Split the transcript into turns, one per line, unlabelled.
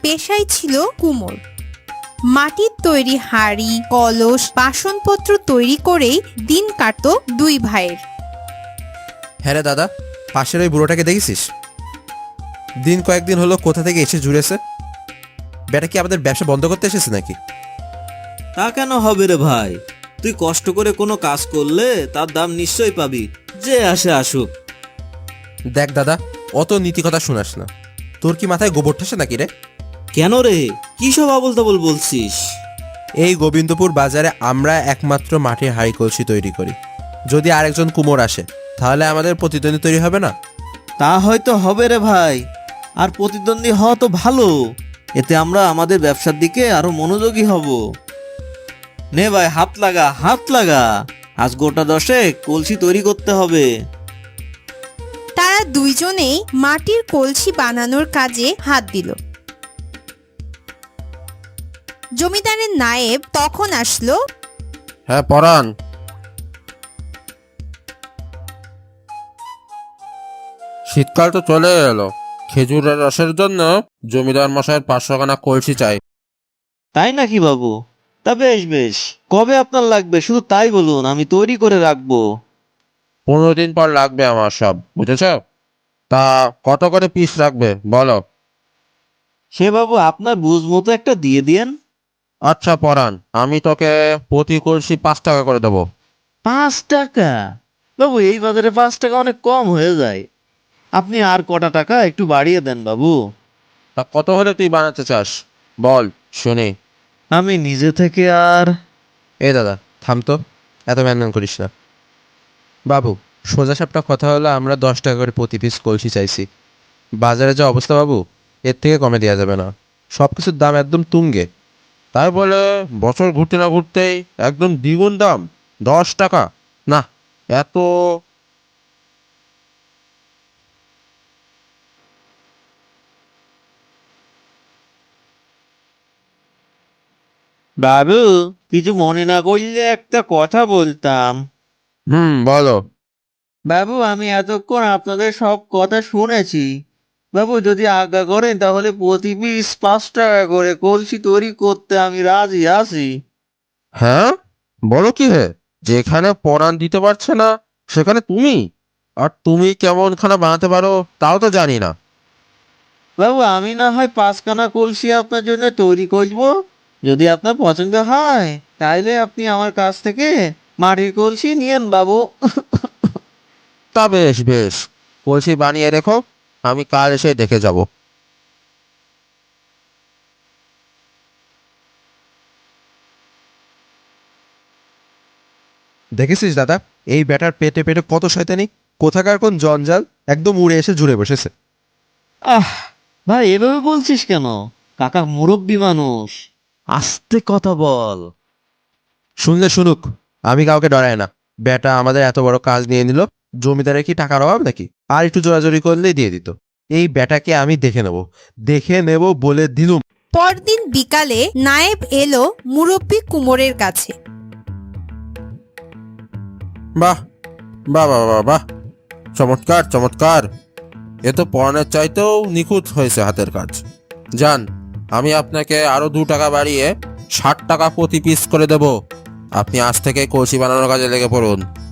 পেশাই ছিল কুমোর। মাটির তৈরি হাঁড়ি, কলস, বাসনপত্র তৈরি করেই দিন কাটত দুই ভাইয়ের।
হ্যাঁ রে দাদা, পাশের ওই বুড়োটাকে দেখেছিস? দিন কয়েকদিন হলো কোথা থেকে এসে জুড়েছে। বেটা কি আমাদের ব্যবসা বন্ধ করতে এসেছে নাকি?
তা কেন হবে রে ভাই? তুই কষ্ট করে কোনো কাজ করলে তার দাম নিশ্চয়ই পাবি, যে আসে আসুক।
দেখ দাদা, অত নীতি কথা শোনাস না। তোর কি মাথায় গোবর ঠাসে নাকি রে?
কেন রে, কি সব আবল তাবল বলছিস?
এই গোবিন্দপুর বাজারে আমরা একমাত্র মাটির হাঁড়ি কলসি তৈরি করি। যদি আরেকজন কুমোর আসে তাহলে আমাদের প্রতিদ্বন্দ্বী তৈরি হবে না?
তা হয়তো হবে রে ভাই, আর প্রতিদ্বন্দ্বী হওয়া তো ভালো। এতে আমরা আমাদের ব্যবসার দিকে আরো মনোযোগী হব। নে ভাই, হাত লাগা, হাত লাগা। আজ গোটা 10 কলসি তৈরি করতে হবে।
তারা দুইজনেই মাটির কলসি বানানোর কাজে হাত দিল। জমিদারের নায়েব তখন আসলো।
হ্যাঁ পরাণ, শীতকাল তো চলে এলো। খেজুরের রসের জন্য জমিদার মশাইয়ের 500 খানা কলসি চাই।
তাই নাকি বাবু? তা বেশ বেশ, কবে আপনার লাগবে শুধু তাই বলুন, আমি তৈরি করে রাখবো।
15 দিন পর লাগবে আমার সব, বুঝেছ? তা কত করে পিস রাখবে বলো?
সে বাবু আপনার বুঝ মতো একটা দিয়ে দিয়েন।
আচ্ছা পরাণ, আমি তোকে প্রতি কলসি 5 টাকা করে দেবো।
5 টাকা? বাবু এই বাজারে 5 টাকা অনেক কম হয়ে যায়। আপনি আর কটা টাকা একটু বাড়িয়ে দেন বাবু।
তা কত হলে তুই বানাতে চাস বল শুনি।
আমি নিজে থেকে আর
এ দাদা থাম তো, এত ম্যানম্যান করিস না। বাবু, সোজা সাপটা কথা হলো, আমরা 10 টাকা করে প্রতি পিস কলসি চাইছি। বাজারে যা অবস্থা বাবু, এর থেকে কমে দেওয়া যাবে না। সব কিছুর দাম একদম তুঙ্গে। তাই বলে বছর ঘুরতে না ঘুরতেই একদম দ্বিগুণ দাম, 10 টাকা? না, এত।
বাবু, কিছু মনে না করলে একটা কথা বলতাম।
বলো।
বাবু, আমি এতক্ষণ আপনাদের সব কথা শুনেছি। বাবু, যদি আজ্ঞা করেন তাহলে প্রতি পিস 5 টাকা করে কলসি তৈরি করতে আমি রাজি আছি।
হ্যাঁ, বলো কি হে? যেখানে পরাণ দিতে পারছে না সেখানে তুমি? আর তুমি কেমন খানা বানাতে পারো তাও তো জানি না।
বাবু, আমি না হয় 5 খানা কলসি আপনার জন্য তৈরি করবো। যদি আপনার পছন্দ হয় তাইলে আপনি আমার কাছ থেকে মাটির কলসি নিয়েন বাবু।
তা বেশ বেশ, কলসি বানিয়ে রেখো, আমি কাল এসে দেখে যাব। দেখেছিস দাদা, এই ব্যাটার পেটে পেটে কত শয়তানি! কোথাকার কোন জঞ্জাল একদম উড়ে এসে জুড়ে বসেছে।
আহ, ভাই এভাবে বলছিস কেন? কাকা মুরব্বী মানুষ, আস্তে কথা বল।
শুনলে শুনুক, আমি কাউকে ডরাই না। ব্যাটা আমাদের এত বড় কাজ নিয়ে নিল, জমিদারের কি টাকার অভাব নাকি? আর একটু জোরাজোরি করলেই দিয়ে দিত। এই ব্যাটাকে আমি দেখে নেব বলে দিলুম।
পরদিন বিকালে নায়েব এলো মুরব্বি কুমোরের কাছে।
বাহ বাহ বাহ বাহ বাহ, চমৎকার চমৎকার! এ তো পরাণের চাইতেও নিখুঁত হয়েছে হাতের কাজ। যান, আমি আপনাকে আরো 2 টাকা বাড়িয়ে 60 টাকা প্রতি পিস করে দেব। আপনি আজ থেকে কলসি বানানোর কাজে লেগে পড়ুন।